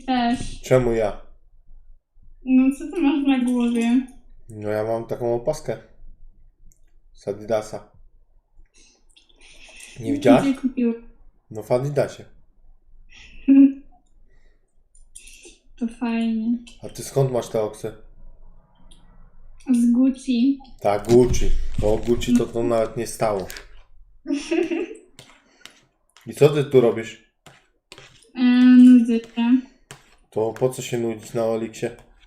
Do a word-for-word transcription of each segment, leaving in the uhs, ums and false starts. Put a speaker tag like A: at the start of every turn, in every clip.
A: też.
B: Czemu ja?
A: No co ty masz na głowie?
B: No ja mam taką opaskę. Z Adidasa. Nie widziałaś?
A: Gdzie kupił?
B: No w Adidasie.
A: To fajnie.
B: A ty skąd masz te oksy?
A: Z Gucci.
B: Tak, Gucci. Bo Gucci to to nawet nie stało. I co ty tu robisz?
A: E, nudzę się.
B: To po co się nudzić na Oliksie?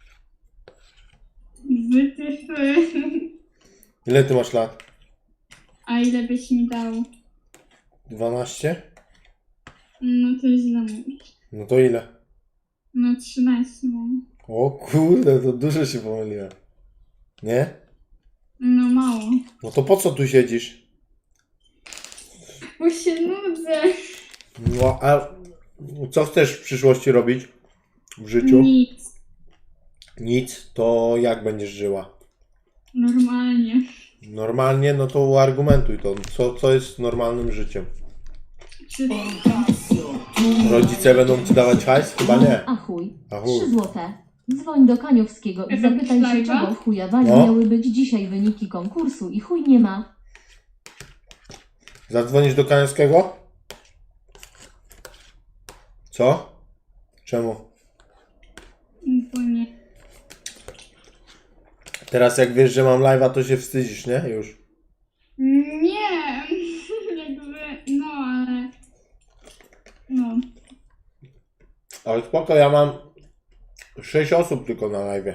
A: Wytyfy.
B: Ile ty masz lat?
A: A ile byś mi dał?
B: dwanaście?
A: No to źle mówisz.
B: No to ile?
A: No trzynaście mam.
B: O kurde, to dużo się pomyliłem. Nie?
A: No mało.
B: No to po co tu siedzisz?
A: Bo się nudzę.
B: No a co chcesz w przyszłości robić w życiu?
A: Nic.
B: Nic, to jak będziesz żyła?
A: Normalnie.
B: Normalnie, no to uargumentuj to. Co, co jest normalnym życiem?
A: Czy...
B: Rodzice będą ci dawać hajs? Chyba nie.
C: A chuj.
B: A chuj.
C: Trzy złote. Dzwoń do Kaniowskiego i
A: Efekt
C: zapytaj się,
A: live'a?
C: czego w chujawaniu
B: No.
C: miały być dzisiaj wyniki konkursu i chuj nie ma.
B: Zadzwonisz do Kaniowskiego? Co? Czemu?
A: Bo nie.
B: Teraz jak wiesz, że mam live'a, to się wstydzisz, nie? Już.
A: Nie. Jakby, no ale... No.
B: Ale spoko, ja mam sześć osób tylko na live'ie.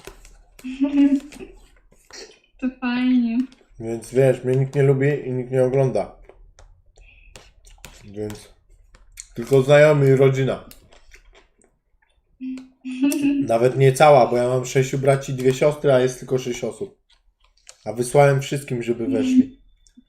A: To fajnie.
B: Więc wiesz, mnie nikt nie lubi i nikt nie ogląda. Więc tylko znajomi i rodzina. Nawet nie cała, bo ja mam sześciu braci i dwie siostry, a jest tylko sześć osób. A wysłałem wszystkim, żeby weszli.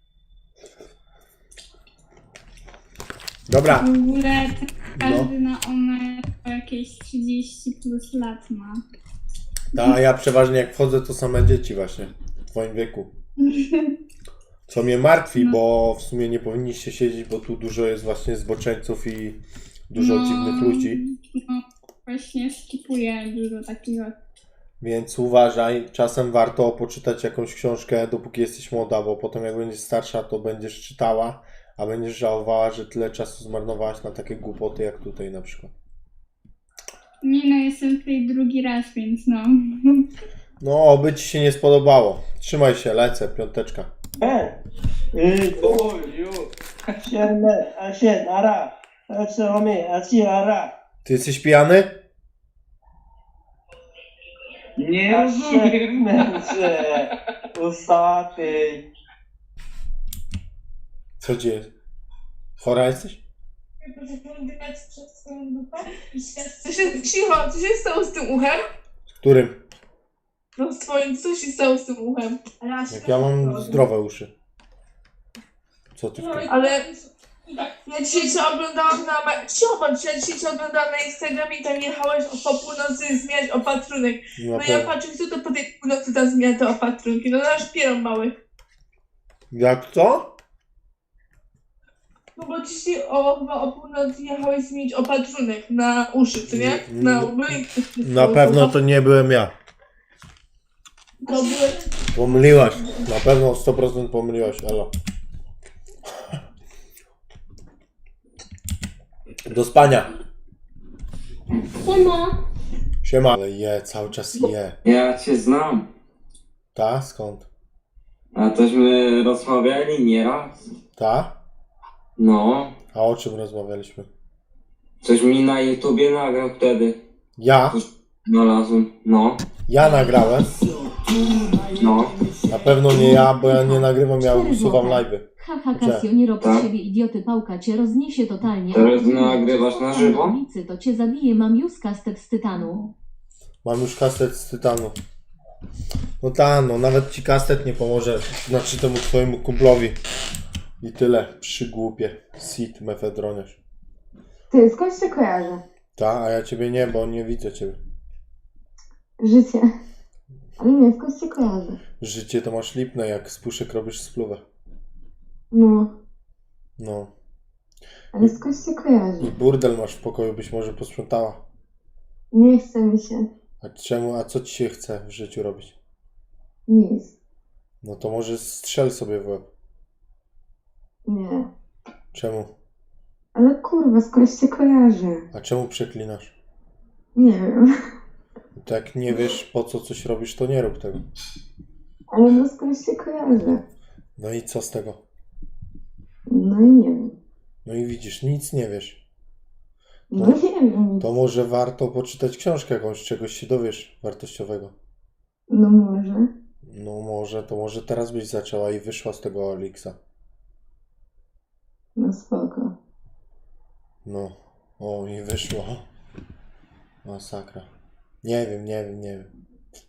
B: Dobra.
A: W ogóle każdy na one po jakieś trzydzieści plus lat ma.
B: Ta, a ja przeważnie jak wchodzę, to same dzieci właśnie. W twoim wieku. Co mnie martwi,
A: No.
B: bo w sumie nie powinniście siedzieć, bo tu dużo jest właśnie zboczeńców i dużo
A: No,
B: dziwnych ludzi.
A: No, właśnie skipuję dużo takiego.
B: Więc uważaj, czasem warto poczytać jakąś książkę, dopóki jesteś młoda, bo potem jak będziesz starsza, to będziesz czytała, a będziesz żałowała, że tyle czasu zmarnowałaś na takie głupoty jak tutaj na przykład.
A: Nie no, jestem tutaj drugi raz, więc no.
B: No, oby ci się nie spodobało. Trzymaj się, lecę, piąteczka.
D: 예, 이,
E: 오유
D: 시험에 아시 알아. 처음에 아시 알아.
B: Ty jesteś pijany?
E: nie rozumiem.
D: 아시면서 우사대.
B: Co ci jest? Chora jesteś?
F: Co się, cicho, co się stało z tym uchem?
B: Z którym?
F: No z twoim, co się stało z tym uchem?
B: Jak ja mam zdrowe uszy. Co ty w tym?
F: Ale ja dzisiaj cię oglądałam na... ma- Cicho, bądź, ja dzisiaj cię oglądałam na Instagramie i tam jechałeś po północy zmieniać opatrunek.
B: Na
F: No ja
B: pewno.
F: patrzę, kto to po tej północy tam zmienia te opatrunki. No nasz pieron mały.
B: Jak to?
F: No bo dzisiaj o, chyba o północy jechałeś zmienić opatrunek na uszy, co nie?
B: Mm,
F: Na
B: mm,
F: łby.
B: Na pewno to nie byłem ja.
F: To były...
B: Pomyliłaś. Na pewno sto procent pomyliłaś, elo. Do spania.
C: Siema.
B: Siema. Ale je, cały czas je.
E: Ja cię znam.
B: Ta? Skąd?
E: A tośmy rozmawiali nieraz.
B: Ta?
E: No.
B: A o czym rozmawialiśmy?
E: Coś mi na YouTubie nagrał wtedy.
B: Ja?
E: Znalazłem. No.
B: Ja nagrałem.
E: No.
B: Na pewno nie ja, bo ja nie nagrywam, ja
C: Cztery
B: usuwam
C: złote.
B: live'y.
C: Haha,
B: Gdzie?
C: Kasio, nie rob
E: Tak?
C: z siebie idioty, pałka cię rozniesie totalnie.
E: Teraz
C: A ty
E: nagrywasz na żywo?
C: Na ulicy to cię zabije, mam już kastet z tytanu.
B: Mam już kastet z tytanu. No ta, no nawet ci kastet nie pomoże. Znaczy temu twojemu kumplowi. I tyle. Przygłupie. Sit, mefedroniarz.
G: Ty, skąd się kojarzę?
B: Ta, a ja ciebie nie, bo nie widzę ciebie.
G: Życie. Ale nie, skąd się kojarzę?
B: Życie to masz lipne, jak z puszek robisz spluwę.
G: No,
B: No.
G: ale skąd się kojarzę?
B: I burdel masz w pokoju, byś może posprzątała.
G: Nie chce mi się.
B: A czemu, a co ci się chce w życiu robić?
G: Nic.
B: No to może strzel sobie w łeb.
G: Nie.
B: Czemu?
G: Ale kurwa, skądś cię kojarzę?
B: A czemu przeklinasz?
G: Nie wiem.
B: To jak nie wiesz po co coś robisz, to nie rób tego.
G: Ale no skądś cię kojarzę?
B: No i co z tego?
G: No i nie wiem.
B: No i widzisz, nic nie wiesz.
G: No nie wiem.
B: To może warto poczytać książkę jakąś, czegoś się dowiesz wartościowego.
G: No może.
B: No może, to może teraz byś zaczęła i wyszła z tego Elixa.
G: No spoko.
B: No, o i wyszło. Masakra. Nie wiem, nie wiem, nie wiem.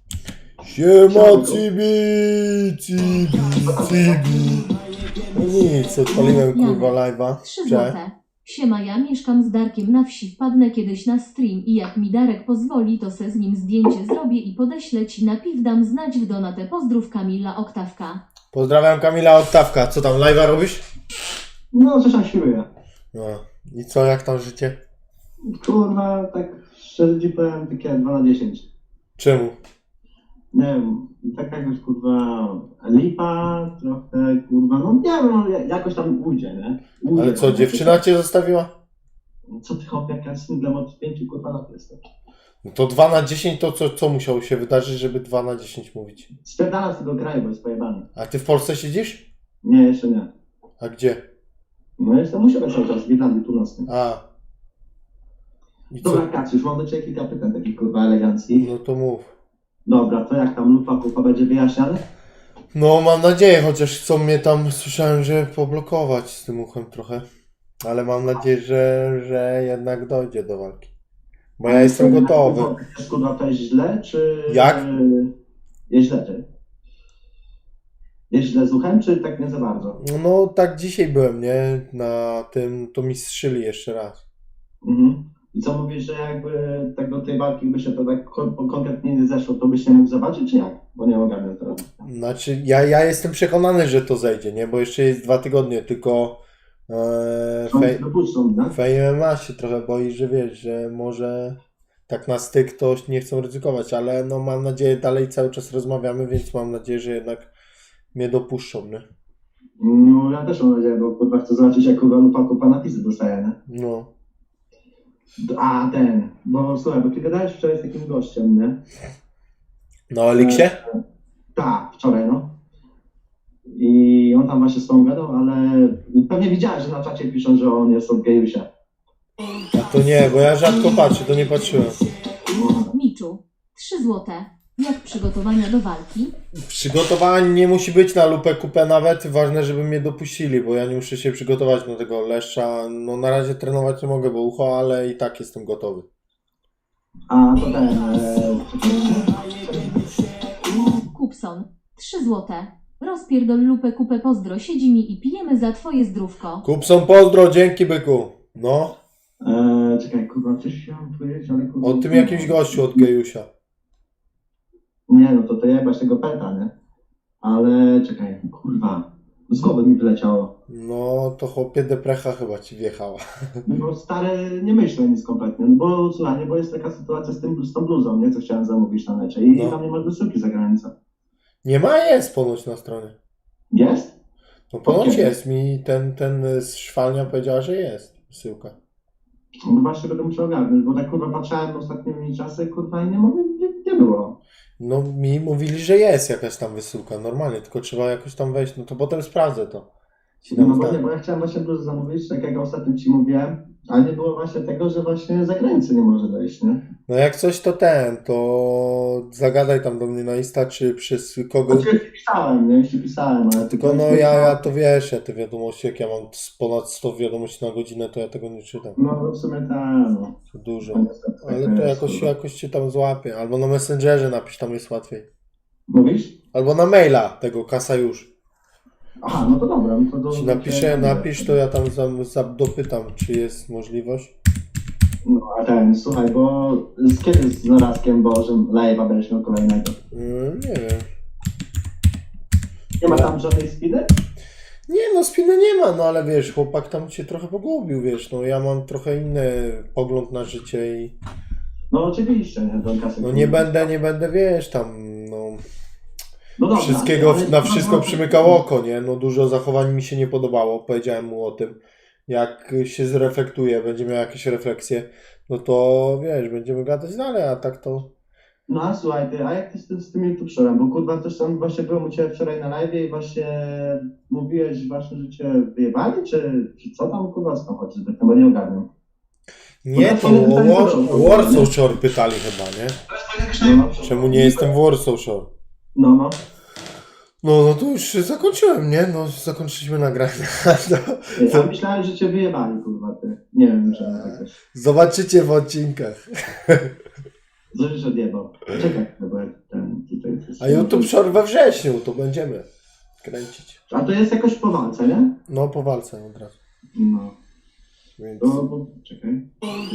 B: Siema Cibi, Cibi, Cibi. No nic, odpaliłem kurwa live'a.
C: trzy
B: Cześć.
C: złote. Siema, ja mieszkam z Darkiem na wsi, wpadnę kiedyś na stream i jak mi Darek pozwoli, to se z nim zdjęcie zrobię i podeślę ci na piw, dam znać w donatę. Pozdrów Kamila Oktawka.
B: Pozdrawiam Kamila Oktawka. Co tam, live'a robisz?
H: No, coś tam świruję.
B: No. I co, jak tam życie?
H: Kurwa, tak szczerze ci powiem, takie dwa na dziesięć.
B: Czemu?
H: Nie wiem, tak jakoś kurwa lipa, trochę kurwa, no nie wiem, no, jakoś tam ujdzie, nie? Ujdzie,
B: Ale co,
H: no,
B: dziewczyna cię zostawiła?
H: Co ty hop, jak ja singlem od pięciu kurwa lat jestem.
B: No to dwa na dziesięć to co, co musiało się wydarzyć, żeby dwa na dziesięć mówić?
H: Spierdalam z tego kraju, bo jest pojebany.
B: A ty w Polsce siedzisz?
H: Nie, jeszcze nie.
B: A gdzie?
H: No jestem u siebie cały czas, w Irlandii Północnej.
B: A. I co?
H: Dobra, Kaciusz, mam do ciebie kilka pytań takich kurwa eleganckich.
B: No to mów.
H: Dobra, to jak tam lufa kupa będzie wyjaśniane?
B: No mam nadzieję, chociaż chcą mnie tam, słyszałem, że poblokować z tym uchem trochę. Ale mam nadzieję, że, że jednak dojdzie do walki. Bo ja jestem gotowy.
H: Jest kurwa to jest źle, czy...
B: Jak?
H: Jest źle, czy... Jest źle z uchem, czy tak nie za bardzo?
B: No tak dzisiaj byłem, nie? Na tym, to mi strzyli jeszcze raz.
H: Mhm. I co mówisz, że jakby tak do tej walki by się to tak kon- konkretnie nie zeszło, to byś nie mógł zobaczyć, czy jak? Bo nie ogarniam teraz.
B: Znaczy, ja, ja jestem przekonany, że to zejdzie, nie? Bo jeszcze jest dwa tygodnie, tylko e,
H: Oni
B: fej,
H: się dopuszczą, no?
B: Fame M M A się trochę boi, że wiesz, że może tak na styk to nie chcą ryzykować, ale no mam nadzieję, dalej cały czas rozmawiamy, więc mam nadzieję, że jednak mnie dopuszczą, nie?
H: No ja też mam nadzieję, bo kurwa chcę zobaczyć, jak kurwa lupa kupa napisy dostaje, nie?
B: No.
H: A ten, bo słuchaj, bo ty gadałeś wczoraj z takim gościem, nie?
B: Na Eliksie?
H: Tak, wczoraj, no. I on tam właśnie z tą gadał, ale pewnie widziałeś, że na czacie piszą, że on jest od gejusia.
B: A to nie, bo ja rzadko patrzę, to nie patrzyłem.
C: Miczu, trzy złote. Jak przygotowania do walki?
B: Przygotowanie nie musi być na lupę kupę nawet, ważne, żeby mnie dopuścili, bo ja nie muszę się przygotować do tego leszcza. No na razie trenować nie mogę, bo ucho, ale i tak jestem gotowy.
H: A to ten... E,
C: Kupson, trzy złote. Rozpierdol lupę kupę, pozdro, siedzi mi i pijemy za twoje zdrówko.
B: Kupson, pozdro, dzięki byku. No,
H: e, czekaj, kurwa, coś chciałem powiedzieć, ale kurwa...
B: o tym jakimś gościu od Gejusia.
H: Nie, no to to jebać tego peta, nie? Ale czekaj, kurwa, z głowy mi wyleciało.
B: No, to chłopie deprecha chyba ci wjechała.
H: Bo stary, nie myślę nic kompletnie, no bo słuchaj, bo jest taka sytuacja z, tym, z tą bluzą, nie? Co chciałem zamówić na mecie i
B: No.
H: tam nie ma wysyłki za granicą.
B: Nie ma, jest ponoć na stronie.
H: Jest?
B: No ponoć
H: Okej.
B: jest, mi ten, ten z szwalnia powiedziała, że jest wysyłka.
H: No właśnie będę musiał ogarnąć, bo tak kurwa patrzałem ostatnimi czasy, kurwa i nie mogę, nie, nie było.
B: No mi mówili, że jest jakaś tam wysyłka, normalnie, tylko trzeba jakoś tam wejść, no to potem sprawdzę to. Ci
H: No
B: dam
H: bo, nie,
B: znać.
H: bo ja chciałem właśnie bluzę zamówić, tak jak ostatnio ci mówiłem, a nie było właśnie tego, że właśnie za granicę nie może wejść, nie?
B: No jak coś to ten, to zagadaj tam do mnie na Insta, czy przez kogo.
H: Znaczy, już ci pisałem, nie? Już ci pisałem, ale...
B: Tylko no ja, ja to wiesz, ja te wiadomości, jak ja mam z ponad sto wiadomości na godzinę, to ja tego nie czytam.
H: No w sumie tak, no.
B: To dużo.
H: To niestety tak
B: Ale to
H: jest,
B: jakoś,
H: kurwa.
B: jakoś cię tam złapię. Albo na Messengerze napisz, tam jest łatwiej.
H: Mówisz?
B: Albo na maila tego Kasa już.
H: Aha, no to dobra. No to do,
B: Ci
H: do-
B: napiszę,
H: do-
B: napisz, to ja tam za, za, dopytam, czy jest możliwość.
H: No a ten, słuchaj, bo z kiedy z zarazkiem Bożym live'a będziesz miał kolejnego?
B: Mm, nie wiem.
H: Nie ma tam żadnej spiny?
B: Nie no, spiny nie ma, no ale wiesz, chłopak tam cię trochę pogubił, wiesz, no ja mam trochę inny pogląd na życie i
H: No oczywiście, nie? Don Kasek.
B: No nie będę, nie będę, wiesz, tam, no...
H: No dobra,
B: Wszystkiego,
H: ale-
B: na wszystko przymykał oko, nie? No dużo zachowań mi się nie podobało, powiedziałem mu o tym. Jak się zreflektuje, będzie miał jakieś refleksje, no to wiesz, będziemy gadać dalej, a tak to...
H: No a słuchaj, ty, a jak ty z tym, z tym YouTube Shorem? Bo kurwa też tam właśnie byłem u Ciebie wczoraj na live i właśnie mówiłeś właśnie, że Cię wyjebali, czy, czy co tam kurwa z tym chodzi, tak chyba nie ogarniam.
B: Nie, to o War- o Warsaw Shore pytali chyba, nie?
H: No,
B: Czemu nie jestem w Warsaw Shore?
H: no, no.
B: No, no to już zakończyłem, nie? No, zakończyliśmy nagranie. No,
H: Ja myślałem, że Cię wyjebali kurwa, ty. Nie wiem, że jakoś.
B: zobaczycie w odcinkach.
H: Coś odjebał. Czekaj, bo jak ten tutaj...
B: A YouTube Shore we wrześniu, to będziemy kręcić.
H: A to jest jakoś po walce, nie?
B: No, po walce od razu.
H: No.
B: Więc...
H: To, bo, czekaj.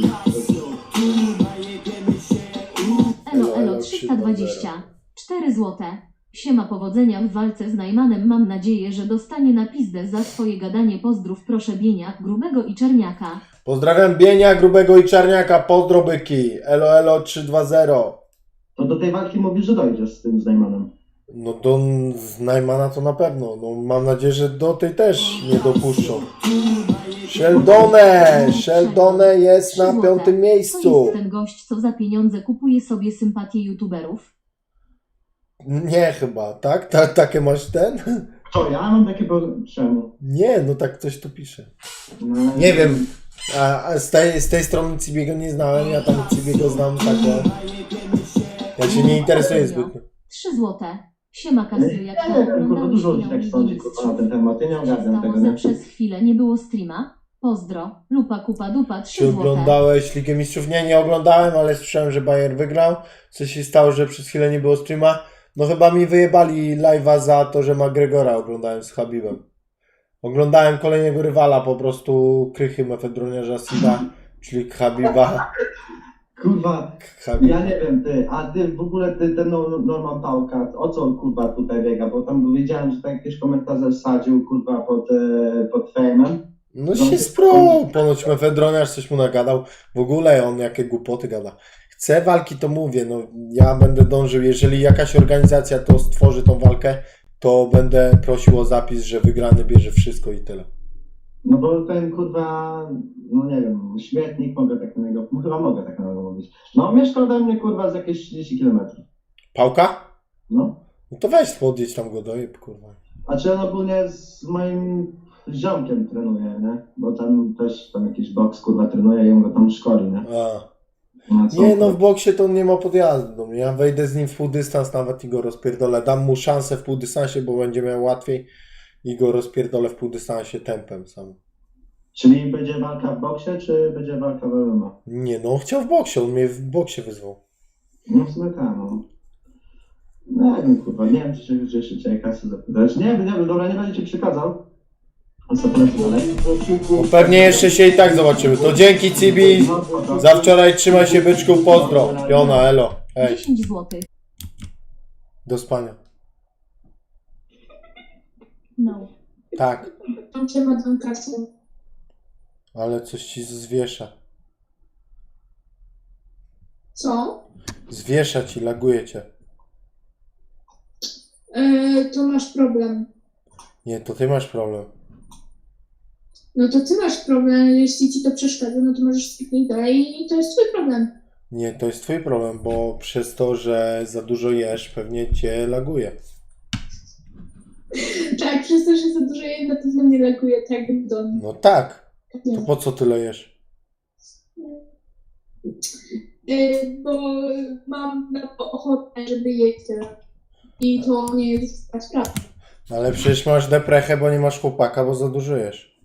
C: Elo Elo trzysta dwadzieścia cztery złote. Siema, powodzenia w walce z Najmanem. Mam nadzieję, że dostanie na pizdę za swoje gadanie. Pozdrów proszę Bienia, Grubego i Czerniaka.
B: Pozdrawiam Bienia, Grubego i Czarniaka, pozdro byki. Elo Elo trzysta dwadzieścia.
H: To do tej walki mówisz, że dojdziesz z tym z Najmanem.
B: No do z Najmana to na pewno. No mam nadzieję, że do tej też nie dopuszczą. Sheldone! Sheldone jest na piątym
C: To
B: miejscu.
C: jest ten gość, co za pieniądze kupuje sobie sympatię youtuberów.
B: Nie chyba, tak? Ta, takie masz ten?
H: To ja mam takie... po- Czemu?
B: Nie, no tak coś tu pisze.
H: No,
B: Nie wiem. A, a z, tej, z tej strony Cibiego nie znałem, ja tam Cibiego znam tak, o... Ja się nie interesuję zbytnio.
C: trzy złote. Siema Kasiu, jak
H: Ja nie wiem, kurwa, dużo ludzi tak sądzi, kurwa, na ten temat. Ja nie ogarniam tego,
C: że
H: nie?
C: przez chwilę nie było streama? Pozdro. Lupa, kupa, dupa,
B: Czy
C: trzy złote.
B: oglądałeś Ligę Mistrzów? Nie, nie oglądałem, ale słyszałem, że Bayern wygrał. Co się stało, że przez chwilę nie było streama? No chyba mi wyjebali live'a za to, że McGregora oglądałem z Habibem. Oglądałem kolejnego rywala, po prostu krychy mefedroniarza Sida, czyli Habiba.
H: Kurwa,
B: Habib.
H: ja nie wiem, ty, a ty w ogóle, ty, ten no, Norman Pałka, o co on, kurwa, tutaj biega? Bo tam wiedziałem, że tak jakieś komentarze wsadził, kurwa, pod, e, pod fejmem.
B: No się sprół, ponoć mefedroniarz coś mu nagadał. W ogóle on jakie głupoty gada. Chce walki, to mówię, no ja będę dążył, jeżeli jakaś organizacja to stworzy tą walkę, to będę prosił o zapis, że wygrany bierze wszystko i tyle.
H: No bo ten, kurwa, no nie wiem, śmietnik, mogę tak na niego, chyba mogę tak na niego mówić. No, mieszka ode mnie, kurwa, z jakieś trzydzieści kilometrów.
B: Pałka?
H: No.
B: No to weź podjedź tam go dojeb, kurwa.
H: A czy on ogólnie z moim ziomkiem trenuje, nie? Bo tam też tam jakiś boks, kurwa, trenuje i on go tam szkoli, nie?
B: A.
H: No, co?
B: Nie no, w boksie to on nie ma podjazdu. No, ja wejdę z nim w półdystans nawet i go rozpierdolę. Dam mu szansę w półdystansie, bo będzie miał łatwiej i go rozpierdolę w półdystansie tempem sam.
H: Czyli będzie walka w boksie, czy będzie walka w M M A?
B: Nie no, on chciał w boksie, on mnie w boksie wyzwał.
H: No w sumie tak, no. Nie wiem, kurwa, nie wiem, czy się czy jeszcze cię kasy zapytać. Nie wiem, nie wiem, dobra, nie będę ci przekazał. A co polecę dalej?
B: No, pewnie jeszcze się i tak zobaczymy. To dzięki Cibi, za wczoraj trzymaj się byczku, pozdro. Jona, elo, hej,
C: dziesięć złotych.
B: do spania.
C: No.
B: Tak,
A: Tam cię ma tą kasę.
B: ale coś ci zwiesza.
A: Co?
B: Zwiesza ci, laguje cię.
A: Yy, to masz problem.
B: Nie, to ty masz problem.
A: No to ty masz problem, jeśli ci to przeszkadza, no to możesz skipnąć dalej i to jest twój problem.
B: Nie, to jest twój problem, bo przez to, że za dużo jesz, pewnie cię laguje.
A: Tak, przez to, że za dużo jej na pewno nie laguje, tak jak w domu.
B: No tak,
A: Nie.
B: to po co tyle jesz?
A: Yy, bo mam na to ochotę, żeby jeść tyle. I to nie jest taka sprawa.
B: Ale przecież masz deprechę, bo nie masz chłopaka, bo za dużo jesz.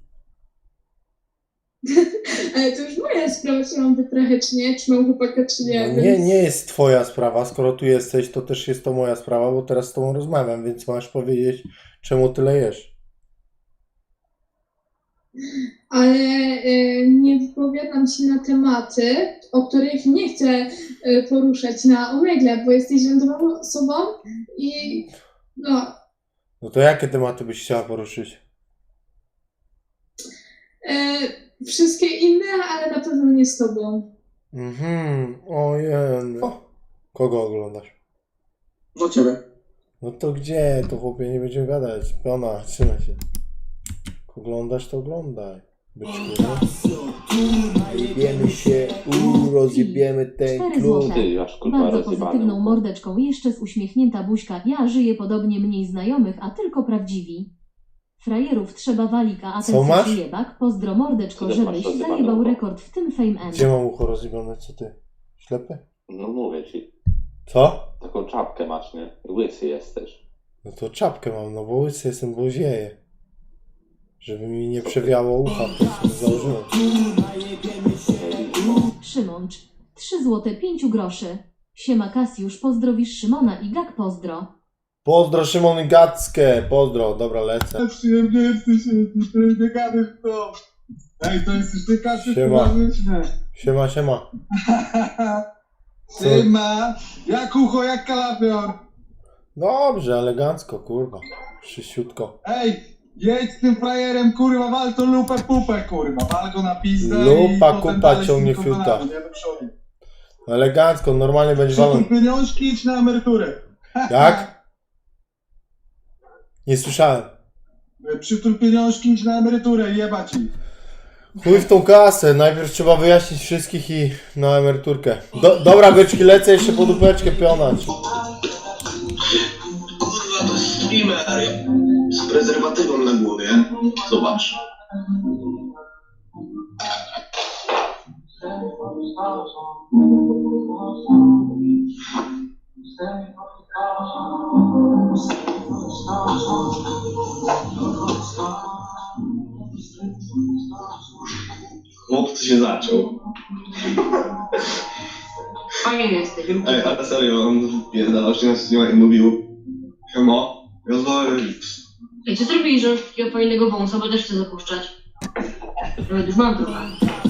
A: Ale to już moja sprawa, czy mam wytrachę, czy nie, czy mam chłopaka, czy nie.
B: No
A: więc...
B: nie, nie jest twoja sprawa. Skoro tu jesteś, to też jest to moja sprawa, bo teraz z tobą rozmawiam, więc masz powiedzieć, czemu tyle jesz.
A: Ale y, nie wypowiadam się na tematy, o których nie chcę y, poruszać na Omegle, bo jesteś rządową osobą i no,
B: No to jakie tematy byś chciała poruszyć?
A: y, wszystkie inne, ale na pewno nie z tobą.
B: Mhm, ojej. O, kogo oglądasz?
I: Do ciebie.
B: No to gdzie? To chłopie, nie będziemy gadać. Piona, trzymaj się. Jak oglądasz, to oglądaj. Byczku, nie? Jebiemy się, uuu, rozjebiemy ten
C: cztery
B: klub.
C: złote.
J: Ty, aż kurwa
C: Bardzo
J: rozjebany.
C: pozytywną mordeczką, jeszcze z uśmiechnięta buźka. Ja żyję podobnie, mniej znajomych, a tylko prawdziwi. Frajerów trzeba walika, a
B: Co
C: ten
B: masz?
C: co jebak. Pozdro mordeczko,
J: Ty też masz
C: żebyś
J: rozjebane
C: zajebał
J: ucho.
C: rekord w tym Fame M.
B: Gdzie mam ucho rozjebione? Co ty? Ślepy?
J: No mówię ci,
B: Co?
J: taką czapkę masz, nie? Łysy jesteś.
B: No to czapkę mam, no bo łysy jestem, bo zieję. Żeby mi nie przewiało ucha, to sobie założyłem.
C: Szymącz. trzy złote pięć groszy. Siema Kasiusz, pozdrowisz Szymona i Gak pozdro.
B: Pozdro Szymon i Gackę, pozdro, dobra lecę.
I: Przyjemnie jesteś, ty nie gadasz to. Ej, to jesteś ty kasy
B: Siema.
I: towarzyczne.
B: Siema, siema.
I: Siema. Jak ucho, jak kalafior.
B: Dobrze, elegancko, kurwa. Szyściutko.
I: Ej, jedź z tym frajerem, kurwa, wal to lupę pupę, kurwa. Wal go na pizdę
B: Lupa,
I: i potem
B: kupa,
I: dalej
B: ciągnie
I: z tym
B: fiuta.
I: komponami, nie do przodu.
B: Elegancko, normalnie będzie walą.
I: Przytul pieniążki, idź na emeryturę.
B: Jak? Nie słyszałem.
I: Przytul pieniążki, idź na emeryturę i jebać ich.
B: Chuj w tą kasę, najpierw trzeba wyjaśnić wszystkich i na emeryturkę. Do, dobra, byczki, lecę jeszcze po dupeczkę pionać.
K: Kurwa, to jest streamer z prezerwatywą na głowie. Zobacz. Chłopcy się zaczął.
F: Fajnie jesteś.
K: Ej, ale serio, on pierdalał się na streama i mówił Siema, ja zdaję X.
F: Ej, co zrobili, że masz takiego fajnego wąsa, bo też chcę zapuszczać. Nawet już mam trochę.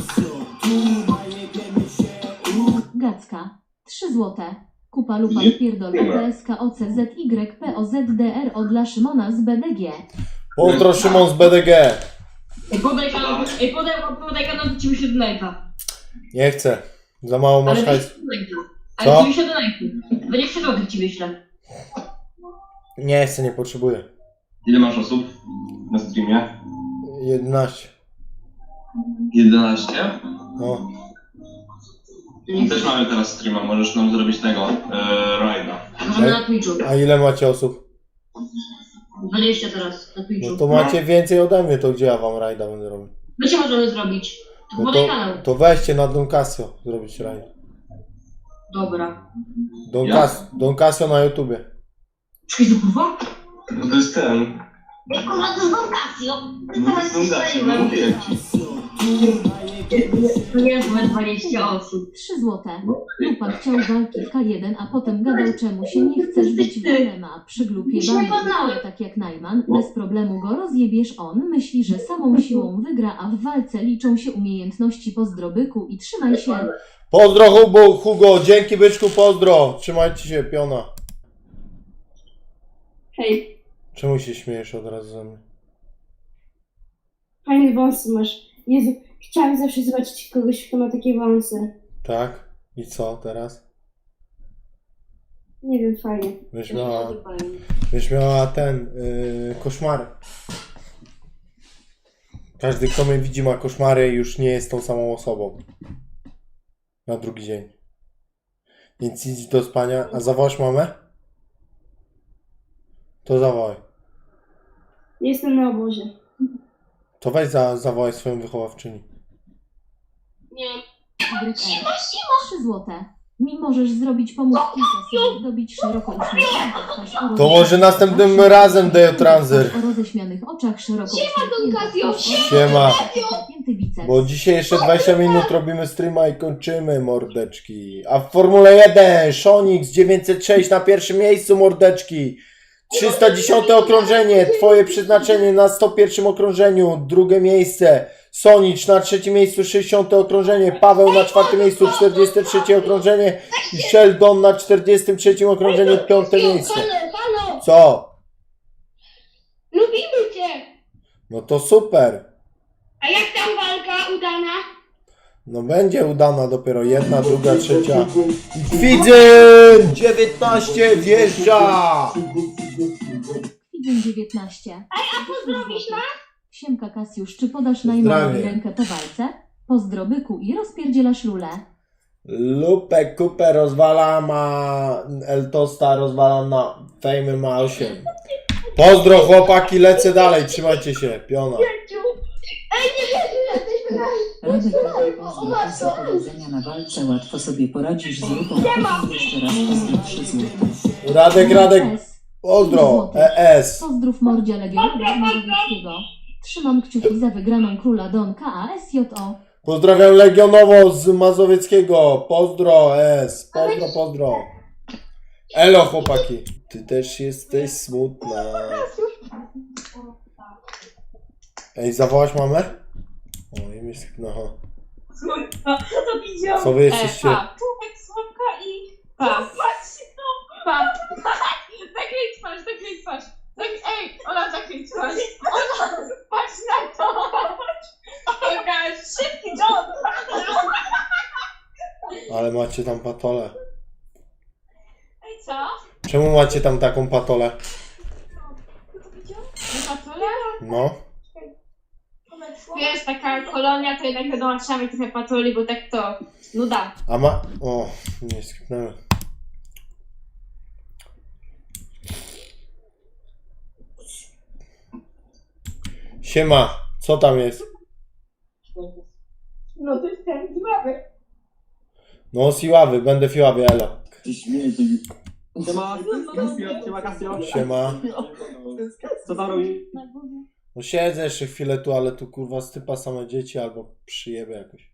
C: Gacka. trzy złote. Kupa lupa
K: Nie?
C: wpierdol
K: Nie ma.
C: P S K O C Z Y P O Z D R O dla Szymona z B D G.
B: Pozdro Szymon z B D G.
F: Ej, podaj kanał, ej, podaj, podaj kanał, to ci wyślę do live'a.
B: Nie chcę. Za mało masz
F: Ale
B: hajs.
F: wyślę do live'a.
B: Co?
F: Ale ci wyślę do live'u. dwadzieścia złotych ci wyślę.
B: Nie chcę, nie potrzebuję.
K: Ile masz osób na streamie?
B: jedenaście.
K: jedenaście?
B: No.
K: Też mamy teraz streama, możesz nam zrobić tego, e, rajda.
F: Możemy na Twitchu.
B: A ile macie osób?
F: dwadzieścia teraz na Twitchu.
B: No to macie więcej ode mnie, to gdzie ja wam rajda będę robił?
F: My się możemy zrobić. To
B: No
F: podaj
B: to,
F: kanał.
B: to weźcie na Don Casio zrobić rajd.
F: Dobra.
B: Don,
K: Ja?
B: Cas Don Casio na YouTubie.
F: Czekaj, to kurwa?
K: No to jest ten.
F: Ej, kurwa, to jest Don Casio.
K: No to jest ten gacie, no mówię ci.
F: To nie jest nawet dwadzieścia osób.
C: trzy złote. Lupa chciał walki w K jeden, a potem gadał czemu się nie chcesz być w M M A przy glupie
F: Już nie
C: bani.
F: poznałem.
C: Tak jak Najman, bez problemu go rozjebiesz. On myśli, że samą siłą wygra, a w walce liczą się umiejętności. Pozdrobyku i trzymaj się.
B: Pozdro Hugo, Hugo, dzięki byczku, pozdro. Trzymajcie się, piona.
L: Hej,
B: Czemu się śmiejesz od razu ze mnie?
L: fajne wąsy masz. Jezu, chciałam zawsze zobaczyć kogoś, kto ma takie wąsy.
B: Tak? I co teraz?
L: Nie wiem, fajnie.
B: Byś miała, byś miała ten, yy, koszmary. Każdy, kto mnie widzi, ma koszmary i już nie jest tą samą osobą. Na drugi dzień. Więc idź do spania. A zawołasz mamę? To zawołaj.
L: Jestem na obozie.
B: To weź za, zawołaj swoją wychowawczyni.
F: Nie.
C: Y R. trzy złote. Mi możesz zrobić pomóc kilka słów, dobić szeroko uśmiechniętą twarz. o
B: To
C: roześmianych
B: może następnym
C: oczach,
B: razem Dejo Transer.
C: O roześmianych oczach, szeroko uśmiechniętą twarz,
B: Siema.
C: napięty biceps.
B: Bo dzisiaj jeszcze dwadzieścia minut robimy streama i kończymy, mordeczki. A w Formule jeden Shonix dziewięćset sześć na pierwszym miejscu, mordeczki. trzysta dziesiąte okrążenie, twoje przeznaczenie na sto pierwszym okrążeniu, drugie miejsce. Sonicz na trzecim miejscu, sześćdziesiąte okrążenie, Paweł na czwartym miejscu, czterdzieste trzecie okrążenie i Sheldon na czterdziestym trzecim okrążeniu, piąte miejsce.
L: Halo, halo!
B: Co?
L: Lubimy cię!
B: No to super.
L: A jak tam walka udana?
B: No będzie udana dopiero jedna, druga, trzecia. Kwidzyn! dziewiętnaście wjeżdża!
C: Kwidzyn dziewiętnaście. Ej, a pozdrowisz nas? Siemka Kasiusz, czy podasz
B: Pozdrawiam.
C: najmałej rękę po walce? Pozdro byku i rozpierdzielasz lulę.
B: Lupę kupę rozwala ma Eltosta, rozwalam na Fejmy ma osiem. Pozdro chłopaki, lecę dalej, trzymajcie się, piona.
M: Radek Radek pozdro, Kasia, powodzenia na walce, łatwo sobie poradzisz z lupą. Jeszcze raz pozdro trzy złote.
B: Radek, Radek, pozdro, E S.
C: Pozdrów mordzia Legionowego Mazowieckiego. Trzymam kciuki za wygraną króla Don K A S J O.
B: Pozdrawiam Legionowo z Mazowieckiego, pozdro S, pozdro, pozdro. Elo chłopaki, ty też jesteś smutna. Ej, zawołasz mamę? O, i mi no.
F: Słonka, to widział.
B: Co wy jesteście?
F: E, pa. Człowiek, słonka i... Pa. Patrz, no. Pa. Zakryj twarz, zakryj twarz. Tak, ej, Ola, zakryj twarz. Ola, patrz na to. Pokaż, szybki John.
B: Ale macie tam patolę.
F: Ej, co?
B: Czemu macie tam taką patolę?
F: Na patole?
B: No.
F: Wiesz, taka kolonia, to jednak wiadomo, trzeba mieć trochę patoli, bo tak to nuda.
B: A ma... O, nie skipnęłem. Siema, co tam jest?
F: No to jest ten zławy.
B: No, siławy, będę fiławy, elo.
D: Siema, Kasio, siema Kasio.
B: Siema.
D: Co tam robi?
B: No siedzę jeszcze chwilę tu, ale tu kurwa stypa same dzieci albo przyjebę jakoś.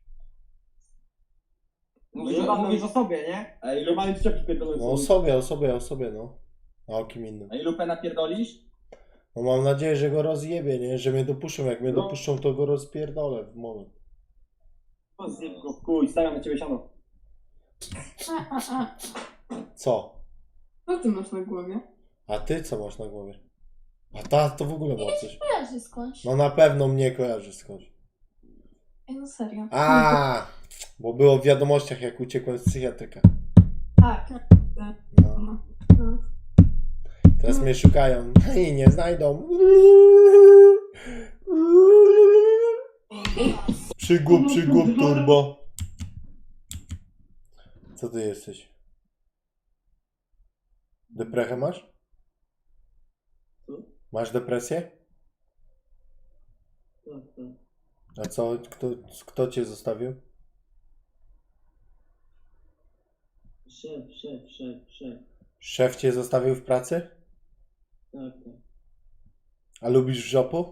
D: Mówisz, mówisz o sobie, nie? A ilu mamy przyczepki pierdolone?
B: No o sobie, o sobie, o sobie, no. A o kim innym.
D: A ilu pena pierdolisz?
B: No mam nadzieję, że go rozjebie, nie? Że mnie dopuszczą. Jak mnie
D: No.
B: dopuszczą, to go rozpierdolę w moment.
D: O, zjeb go w kuj, stawiam na ciebie siano.
A: A, a, a.
B: Co?
A: Co ty masz na głowie?
B: A ty co masz na głowie? A ta to w ogóle ma coś.
A: Kojarzy skądś.
B: No na pewno mnie kojarzy skądś.
A: Ej, no serio.
B: A, bo było w wiadomościach, jak uciekłem z psychiatryka.
A: Tak.
B: No.
A: No.
B: Teraz mnie szukają i nie znajdą. Przygłup, przygłup, turbo. Co ty jesteś? Deprechę masz? Masz depresję? A co? Kto, kto cię zostawił?
D: Szef, szef, szef, szef.
B: Szef cię zostawił w pracy?
D: Tak, tak.
B: A lubisz żopu?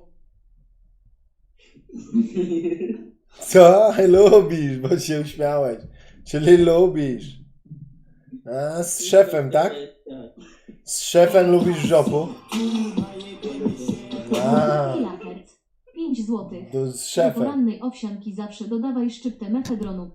B: Co? Lubisz, bo się uśmiałeś. Czyli lubisz. A, z szefem, tak? Z szefem lubisz żopu? A,
C: pięć złotych.
B: to z
C: Do
B: szefem.
C: porannej owsianki zawsze dodawaj szczyptę mefedronu.